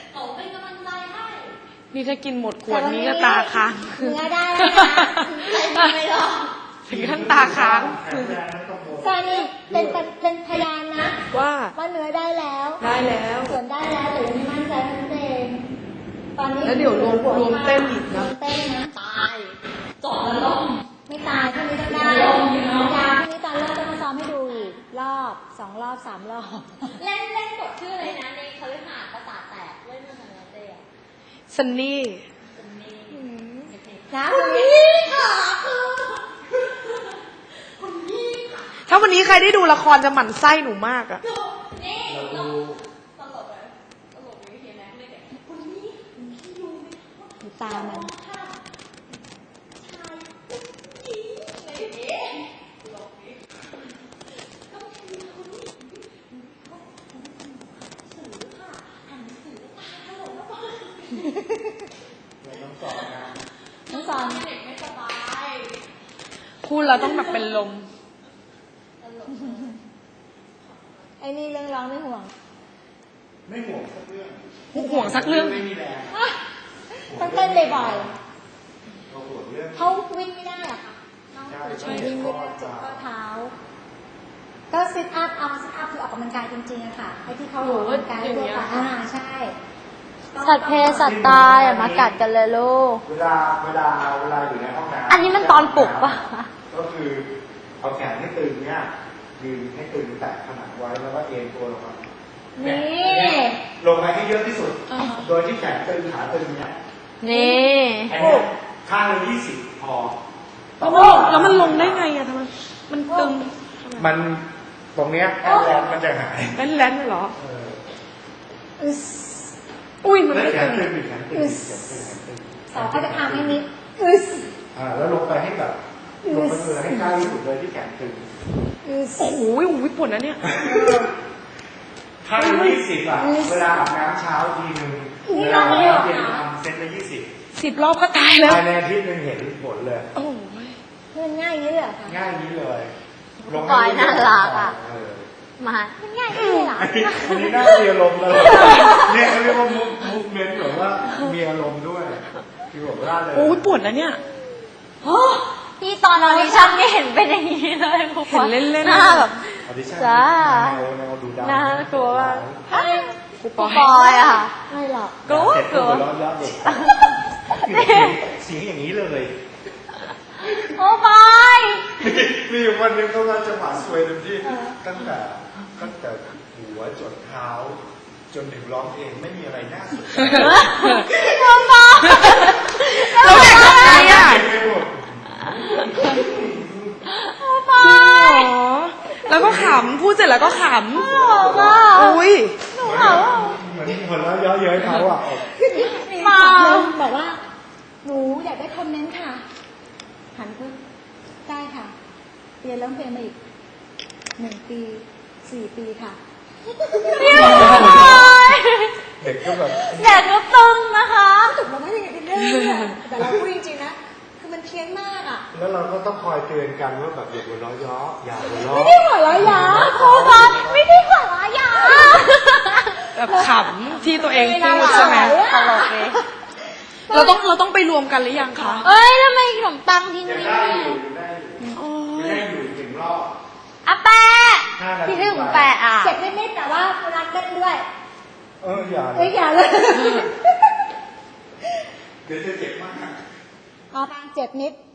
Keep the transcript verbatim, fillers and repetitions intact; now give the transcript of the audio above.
หนูเป็นกำลังใจให้นี่ถ้ากินหมดขวดนี้ก็ตาค้างเนื้อได้แล้วนะใส่ไม่หรอกถึงขั้นตาค้างซานี่เป็นเป็นเป็นพยานนะว่าว่าเนื้อได้แล้วได้แล้วส่วนได้แล้วแต่ยังไม่มั่นใจนั่นเองตอนนี้แล้วเดี๋ยวรวมรวมเต้นอีกนะรวมเต้นนะตายจอดแล้วลงไม่ตายพรุ่งนี้ต้องได้ยาพรุ่งนี้ตอนเริ่มต้องมาซ้อมให้ดูอีกรอบสองรอบสามรอบเล่นเล่นบทชื่ออะไรนะในคฤหาสน์ประสาทแตกเล่นเรื่องอะไรเต้อะซันนี่นะคุณพี่ค่ะถ้าวันนี้ใครได้ดูละครจะหมั่นไส้หนูมากอะนี่เราตลกเลยตลกอยู่เห็นไหมเลยแบบคุณนี่คุณพี่รู้ไหมดูตามันชายผู้หญิงอะไรอย่างเงี้ยตลกดิต้องมีคนนี้สื่อค่ะอ่านหนังสือตาถลนแล้วก็น้องสอนเด็กไม่สบายพูดเราต้องแบบเป็นลมไอ้นี่เรื่องร้องไม่ห่วงไม่ห่วงสักเรื่องห่วงสักเรื่องไม่มีแรงต้องเต้นบ่อยเราห่วงเรื่องๆเขาวิ่งไม่ได้อะค่ะน้องเขาวิ่งไม่ได้เจ็บข้อเท้า ก็ซิทอัพเอาซิทอัพคือออกกำลังกายจริงๆอะค่ะไอ้ที่เขาออกกำลังกายทั่วไปอ่าใช่สัตว์เพศสัตว์ตายอย่ามากัดกันเลยลูกเวลาเวลาเวลาอยู่ในห้องน้ำอันนี้มันตอนปลุกปะก็คือเอาแขนให้ตึงเนี่ยยืนให้ตึงแตะผนังไว้แล้วก็เอ็นตัวลงมานี่ลงไปให้เยอะที่สุด โดยที่แขนตึงขาตึงเนี่ยนี่อันเนี้ยข้างละยี่สิบพอแล้วมันแล้วมันลงได้ไงอะทำไมมันตึงมันตรงเนี้ยแอนแลนมันจะหายแล่นๆเหรอเอออึสอุ้ยมันแล้วไม่แขตึนงตึงอีกแขนตึงอีกแขนตึงแขนตึงสาวเขาจะทำให้นิดอึสอ่าแล้วลงไปให้แบบลงไปเลยให้ใกล้ที่สุดเลยที่แขนตึงอึสโอ้โหโอ้โหปวดนะเนี่ยถ้าเป็นยี่สิบอ่ะ เวลาอาบน้ำเช้าทีหนึ่งเวลาอาบน้ำเย็นทำเซตละยี่สิบสิบรอบก็ตายแล้วภายในอาทิตย์หนึงเห็นผลเลยโอ้ยมันง่ายอย่างนี้เลยเหรอคะง่ายนี้เลยลงปล่อยน่ารักอะเออมามันง่ายอย่างนี้เลยเหรออันนี้อันนี้น่ามีอารมณ์เลยเนี่ยเขาเรียกว่ามุกมุกเมนต์แบบว่ามีอารมณ์ด้วยคือแบบร่าเลยโอ้ยปวดนะเนี่ยพี่ตอนออดิชั่นไม่เห็นเป็นอย่างนี้เลยครูเห็นเล่นๆหน้าแบบออดิชั่นจ้าแนวแนวดูดาวน่ากลัวมากครูปปออย ยอะค่ะไม่หรอกกลัวเสร็จกลัวหัวเราะเยอะเด็กเสียงอย่างนี้เลยโอ้ปอยมีอยู่วันหนึงเขาก็จังหวะสวยเต็มที่ตั้งแต่ตั้งแต่หัวจนเท้า จนถึงร้องเพลงไม่มีอะไรน่าสนใจโอ้ปอยเราเด็กทำไงอะไม่หมดโอ้ปอจริงยเหรอแล้วก็ขำ พูดเสร็จแล้วก็ขบอกว่าำ อุ้ยหนูเหรอเหมือนหัวเราะเยอะเย้ยเขาอ่ะมาบอกว่า หนูอยากได้คอมเมนต์ค่ะ หันปุ๊บได้ค่ะ เรียนร้องเพลงมาอีกหนึ่งปีสี่ปีค่ะเด็กก็แบบแดดก็ตึงนะคะตึกเราไม่ได้อย่างนี้เรื่องแต่เราพูดจริงๆนะ คือมันเพี้ยนมากอ่ะแล้วเราก็ต้องคอยเตือนกันว่าแบบอย่าหัวเราะเยอะอย่าหัวเราะไม่ได้หัวเราะยาครูคะไม่ได้หัวเราะยาแบบขำที่ตัวเองพูดใช่ไหมตลกเลยเราต้องเราต้องไปรวมกันหรือยังคะเอ้ยทำไมขนมปังทิ้งยังนี่ได้อยู่ยังได้อยู่โอ้ยังยได้อยู่ถึงรอบอะแปะห้านาทีที่เรื่องของแปะอ่ะเจ็บนิดๆแต่ว่ารักเล่นด้วยเอออย่าเลเอ้ยยอย่าเลยเดี๋ยวจะเจ็บมากอ๋อเจ็บนิด